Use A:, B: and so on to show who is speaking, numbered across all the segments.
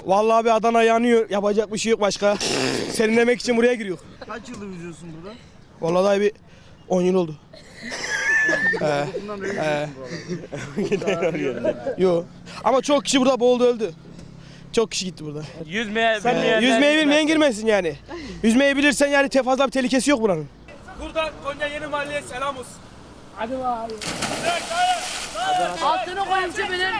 A: Vallahi bir Adana yanıyor. Yapacak bir şey yok başka. Serinlemek için buraya giriyor.
B: Kaç yıldır yüzüyorsun burada?
A: Vallahi daha bir 10 yıl oldu.
B: Bundan beri yüzüyorsun bu arada.
A: Yo. Ama çok kişi burada boğuldu öldü. Çok kişi gitti burada. Yüzmeyi bilmeyen girmesin yani. Yüzmeyi bilirsen yani fazla bir tehlikesi yok buranın. Buradan Konya Yeni Mahalle'ye selam olsun.
C: Hadi abi. Altını koyayım benim.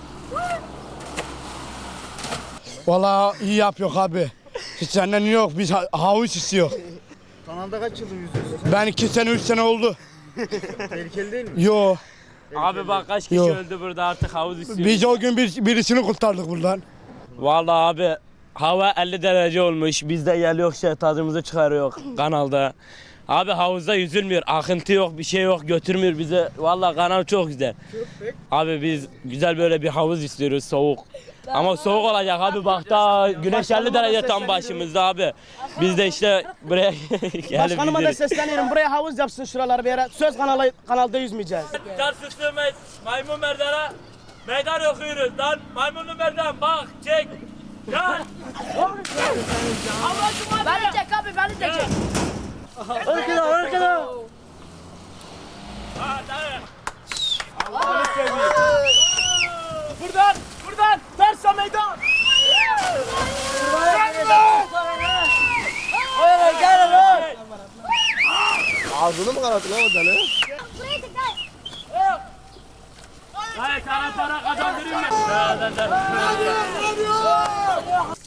D: Vallahi iyi yapıyor abi. Hiç senden yok, biz havuz istiyor.
B: Kanalda kaç yıldır yüzüyorsun sen?
D: Ben 2 sene 3 sene oldu.
B: Tehlikeli değil mi?
D: Yo.
E: Abi bak kaç kişi
D: Yok.
E: öldü burada artık havuz istiyor.
D: Biz o gün birisini kurtardık buradan.
E: Vallahi abi hava 50 derece olmuş. Biz de geliyor tadımızı çıkarıyor kanalda. Abi havuzda yüzülmüyor. Akıntı yok, bir şey yok. Götürmüyor bize. Vallahi kanal çok güzel. Abi biz güzel böyle bir havuz istiyoruz soğuk. Ama soğuk olacak abi bak daha güneş 50 derece tam başımızda abi. Biz de işte buraya gelip
A: Başkanıma da sesleniyorum. Buraya havuz yapsın şuraları bir yere. Söz kanalda yüzmeyeceğiz.
E: Çarşıstığımız maymun merdana meydan okuyoruz lan. Maymunlu merdan bak çek. Gel.
C: Beni çek abi beni de çek.
A: Arkada.
E: Ha dayı.
A: Buradan Tersa meydan. Ağzını mı kanattın lan oradan he?
E: Dayı sana para kazandırayım mı?